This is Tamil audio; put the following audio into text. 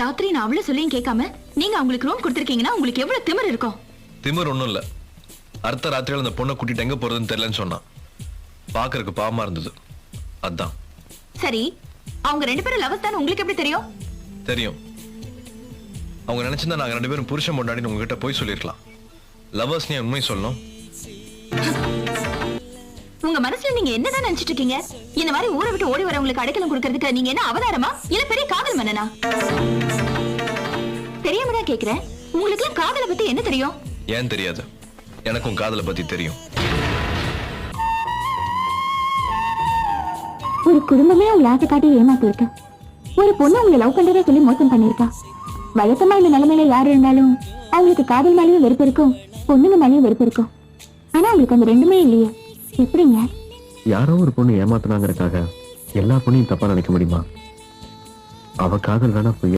ராத்திரி நான் அவ்வளவு சொல்லியும் கேட்காம நீங்க அவங்களுக்கு ரூம் கொடுத்திருக்கீங்கன்னா உங்களுக்கு எவ்வளவு திமிர் இருக்கும்? திமிர் ஒண்ணும் இல்ல. அடுத்த ராத்திரியில அந்த பொண்ணை கூட்டிட்டு எங்க போறதுன்னு தெரியலன்னு சொன்னான். பாக்குறதுக்கு பாவமா இருந்தது, அதான். சரி, அவங்க 2 பேரும் லவர்ஸ் தான் உங்களுக்கு எப்படி தெரியும்? தெரியும். அவங்க நினைச்சிருந்தா நாங்க 2 பேரும் புருஷன் பொண்டாட்டின்னு உங்ககிட்ட போய் சொல்லிருக்கலாம். லவர்ஸ் நீ உண்மை சொல்லணும். உங்க மனசுல நீங்க என்னதான் நினைச்சிட்டு இருக்கீங்க? இந்த மாதிரி ஊரை விட்டு ஓடி வரவங்களுக்கு அடைக்கலம் கொடுக்கறதுக்கு நீங்க என்ன அவதாரமா இல்ல பெரிய காதல் மன்னனா? தெரியாம தான் கேக்குறேன். உங்களுக்கு காதலை பத்தி என்ன தெரியும்? ஏன் தெரியாது? எனக்கும் காதலை பத்தி தெரியும். ஒரு குடும்பமே உங்களை ஆசை காட்டி ஏமாத்தி இருக்கு. ஒரு பொண்ணு உங்களை லவ் பண்றதே சொல்லி மோசம் பண்ணிருக்கா. வழக்கமா இந்த நிலைமையில யாரு இருந்தாலும் அவங்களுக்கு காதல் மேலேயும் வெறுப்பு இருக்கும், பொண்ணுங்க மேலேயும் வெறுப்பு இருக்கும். ஆனா உங்களுக்கு அந்த ரெண்டுமே இல்லையே, எப்படிங்க? யாரோ ஒரு பொண்ணு ஏமாத்தினாங்கிறதுக்காக எல்லா பொண்ணையும் தப்பா நினைக்க முடியுமா? அவ காதல் வேணா